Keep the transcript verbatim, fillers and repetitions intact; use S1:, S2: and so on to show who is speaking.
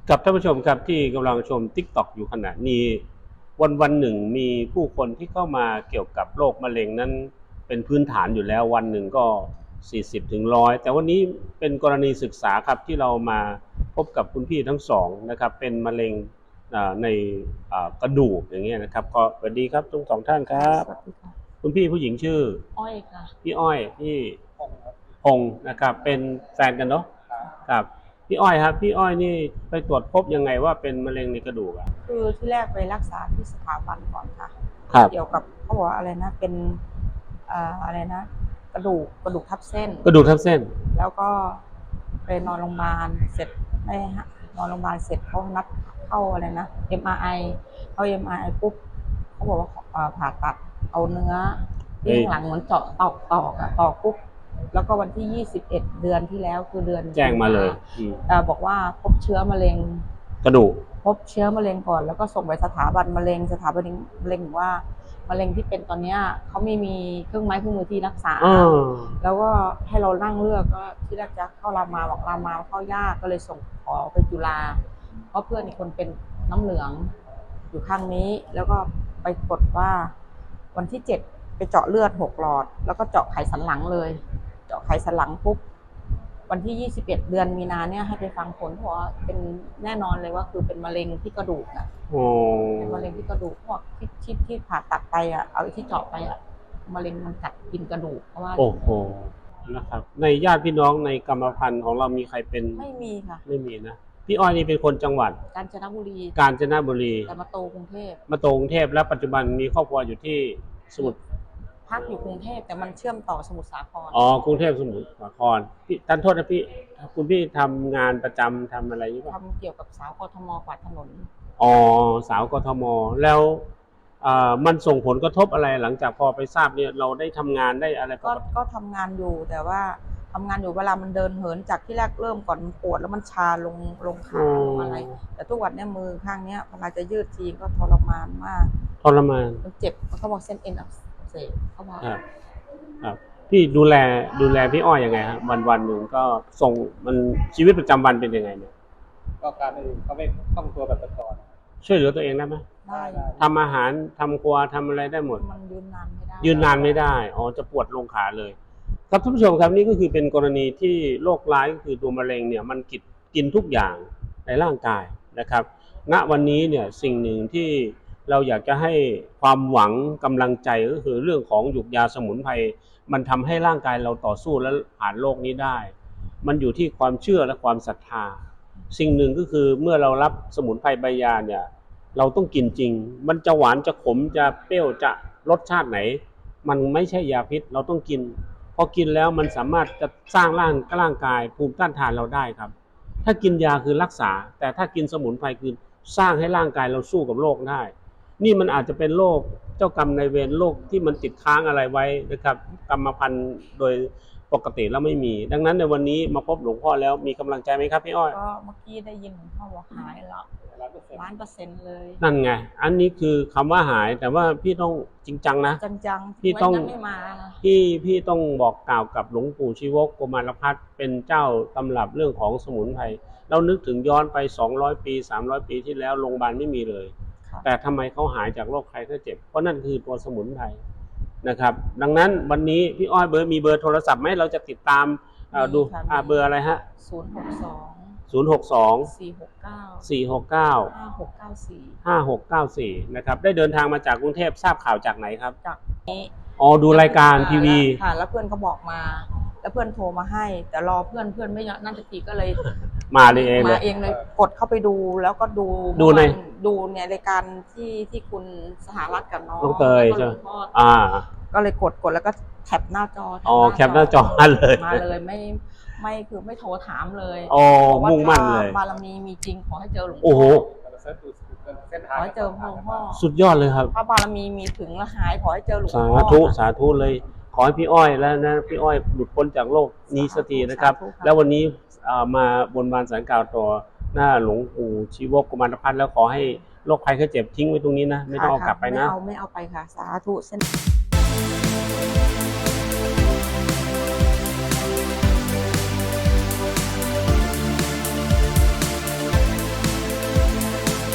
S1: กับท่านผู้ชมครับที่กำลังชม ติ๊กต็อก อยู่ขณะนี้วันวันหนึ่งมีผู้คนที่เข้ามาเกี่ยวกับโรคมะเร็งนั้นเป็นพื้นฐานอยู่แล้ววันหนึ่งก็สี่สิบถึงหนึ่งร้อยแต่วันนี้เป็นกรณีศึกษาครับที่เรามาพบกับคุณพี่ทั้งสองนะครับเป็นมะเร็งในกระดูกอย่างเงี้ยนะครับก็สวัสดีครับทั้งสองท่านครับคุณพี่ผู้หญิงชื่อ
S2: อ้อยค่ะ
S1: พี่อ้อยพี่พงศ์นะครับเป็นแฟนกันเนาะครับพี่อ้อยครับพี่อ้อยนี่ไปตรวจพบยังไงว่าเป็นมะเร็งในกระดูกอ่ะ
S2: คือที่แรกไปรักษาที่สถาบันก่อนค่ะเกี่ยวกับเขาบอกอะไรนะเป็นอะไรนะกระดูกกระดูกทับเส้น
S1: กระดูกทับเส้น
S2: แล้วก็ไปนอนโรงพยาบาลเสร็จไม่ฮะนอนโรงพยาบาลเสร็จเขานัดเข้าอะไรนะ เอ็ม อาร์ ไอ เข้า เอ็ม อาร์ ไอ ปุ๊บเขาบอกว่าผ่าตัดเอาเนื้อที่ข้างหลังเหมือนเจาะตอกตอกอะตอกปุ๊บแล้วก็วันที่ยี่สิบเอ็ดเดือนที่แล้วคือเดือน
S1: แจ้งมาเลย
S2: บอกว่าพบเชื้อมะเร็ง
S1: กระดูก
S2: พบเชื้อมะเร็งก่อนแล้วก็ส่งไปสถาบันมะเร็งสถาบันมะเร็งว่ามะเร็งที่เป็นตอนนี้เขาไม่มีเครื่องไม้เครื่องมือที่รักษาแล้วก็ให้เรานั่งเลือกก็ที่แรกจะเข้ารามาบอกรามาเข้ายากก็เลยส่งขอไปจุฬาเพราะเพื่อนอีกคนเป็นน้ำเหลืองอยู่ข้างนี้แล้วก็ไปกดว่าวันที่เจ็ดไปเจาะเลือดหกหลอดแล้วก็เจาะไขสันหลังเลยเจาะไขสันหลังปุ๊บวันที่ยี่สิบเอ็ดเดือนมีนาเนี่ยให้ไปฟังผลเพราะว่าเป็นแน่นอนเลยว่าคือเป็นมะเร็งที่กระดูกอ่ะเป็นมะเร็งที่กระดูกพวกที่ที่ที่ผ่าตัดไปอ่ะเอาที่เจาะไปอ่ะมะเร็งมันกัดกินกระดูกเพราะว่า
S1: โอ้โหนะครับในญาติพี่น้องในกรรมพันธุ์ของเรามีใครเป็น
S2: ไม่มีค่ะ
S1: ไม่มีนะพี่อ้อยนี่เป็นคนจังหวัด
S2: กาญจนบุรี
S1: กาญจนบุรี
S2: แต่มาโตกรุงเทพ
S1: มาโตกรุงเทพและปัจจุบันมีครอบครัวอยู่ที่สมุทร
S2: พักอยู่กรุงเทพแต่มันเชื่อมต่อสมุทรสาคร
S1: อ๋อกรุงเทพสมุทรสาครพี่ท่านโทษนะพี่คุณพี่ทำงานประจำทำอะไรอยู่ป่ะ
S2: ทำเกี่ยวกับสาวกทมกวาดถนน
S1: อ๋อสาวกทมแล้วมันส่งผลกระทบอะไรหลังจากพอไปทราบเนี่ยเราได้ทำงานได้อะไร
S2: ก็ก็ทำงานอยู่แต่ว่าทำงานอยู่เวลามันเดินเหินจากที่แรกเริ่มก่อนปวดแล้วมันชาลงลงขาลงอะไรแต่ทุกวันนี้มือข้างนี้เวลาจะยืดทีก็ทรมานมาก
S1: ทรมาน
S2: มันเจ็บเขาบอกเส้นเอ็นอักเสบเขาบอก
S1: ครับครับพี่ดูแลดูแลพี่อ้อยยังไงครับวันวันหนึ่งก็ส่งมันชีวิตประจำวันเป็นยังไงเนี่ย
S3: ก็การไม่เขาไม่คล่องตัวแบบแต่ก่อน
S1: ช่วยเหลือตัวเองได้ไหม
S2: ได้
S1: ทำอาหารทำครัวทำอะไรได้หมด
S2: มันยืนนานไม่ได้
S1: ยืนนานไม่ได้อ๋อจะปวดลงขาเลยครับท่านผู้ชมครับนี่ก็คือเป็นกรณีที่โรคร้ายก็คือตัวมะเร็งเนี่ยมันกินกินทุกอย่างในร่างกายนะครับณวันนี้เนี่ยสิ่งหนึ่งที่เราอยากจะให้ความหวังกำลังใจก็คือเรื่องของหยุกยาสมุนไพรมันทำให้ร่างกายเราต่อสู้และผ่านโรคนี้ได้มันอยู่ที่ความเชื่อและความศรัทธาสิ่งหนึ่งก็คือเมื่อเรารับสมุนไพรใบยาเนี่ยเราต้องกินจริงมันจะหวานจะขมจะเปรี้ยวจะรสชาติไหนมันไม่ใช่ยาพิษเราต้องกินพอกินแล้วมันสามารถจะสร้างร่างร่างกายภูมิต้านทานเราได้ครับถ้ากินยาคือรักษาแต่ถ้ากินสมุนไพรคือสร้างให้ร่างกายเราสู้กับโรคได้นี่มันอาจจะเป็นโรคเจ้ากรรมนายเวรโรคที่มันติดค้างอะไรไว้นะครับกรรมพันธุ์โดยปกติแล้วไม่มีดังนั้นในวันนี้มาพบหลวงพ่อแล้วมีกำลังใจไหมครับพี่อ้อย
S2: ก็เมื่อกี้ได้ยินหลวงพ่อบอกหายแล้วล้านเปอร์เซ็นต์เลย
S1: นั่นไงอันนี้คือคำว่าหายแต่ว่าพี่ต้องจริงจังนะ
S2: จริงจัง
S1: พี่ต้องพี่พี่ต้องบอกกล่าวกับหลวงปู่ชีวกโกมารพัฒน์เป็นเจ้าตำรับเรื่องของสมุนไพรเรานึกถึงย้อนไปสองร้อยปีสามร้อยปีที่แล้วโรงพยาบาลไม่มีเลยแต่ทำไมเขาหายจากโรคภัยไข้เจ็บเพราะนั่นคือตัวสมุนไพรนะครับดังนั้นวันนี้พี่อ้อยเบอร์มีเบอร์โทรศัพท์ไหมเราจะติดตามดูเบอร์อะไรฮะ
S2: ศูนย์หกสอง
S1: ศูนย์หกสอง
S2: สี่หกเก้า
S1: สี่หกเก้า
S2: ห้าหกเก้าสี่
S1: ห้าหกเก้าสี่นะครับได้เดินทางมาจากกรุงเทพทราบข่าวจากไหนครับ
S2: จากนี้
S1: อ๋อดูรายการทีวี
S2: ค่ะแล้วเพื่อนเขาบอกมาแล้วเพื่อนโทรมาให้แต่รอเพื่อนเพื่อนไม่นั่นจะตีก็เลย
S1: มาเลยเอง
S2: มาเองเลยกดเข้าไปดูแล้วก็ดู
S1: ดูใน
S2: ดูเนี่ยรายการที่ที่คุณสหรัฐกับน้อง
S1: น้องเตยใช่อ่า
S2: ก็เลยกดกดแล้วก็แคปหน้าจอ
S1: อ๋อแคปหน้าจอมาเลย
S2: มาเลยไม่ไม่คือไม่โทรถามเลย
S1: อ๋อมุ่งมั่นเลย
S2: บารมีมีจริงขอให้เจอหลวงพ่อ
S1: โอ้โห
S2: ขอให้เจอหลวงพ่อ
S1: สุดยอดเลยครับ
S2: พระบารมีมีถึงแล้วหายขอให้เจอหลวงพ่อ
S1: สาธุสาธุเลยขอให้พี่อ้อยแล้วนะพี่อ้อยหลุดพ้นจากโรคนี้สักทีนะครับแล้ววันนี้มาบนบานสารกล่าวต่อหน้าหลวงปู่ชีวกโกมารพัฒน์แล้วขอให้โรคภัยไข้เจ็บทิ้งไว้ตรงนี้นะไม่ต้องเอากลับไปนะ
S2: ไม่เอาไม่เอาไปค่ะสาธุเส้น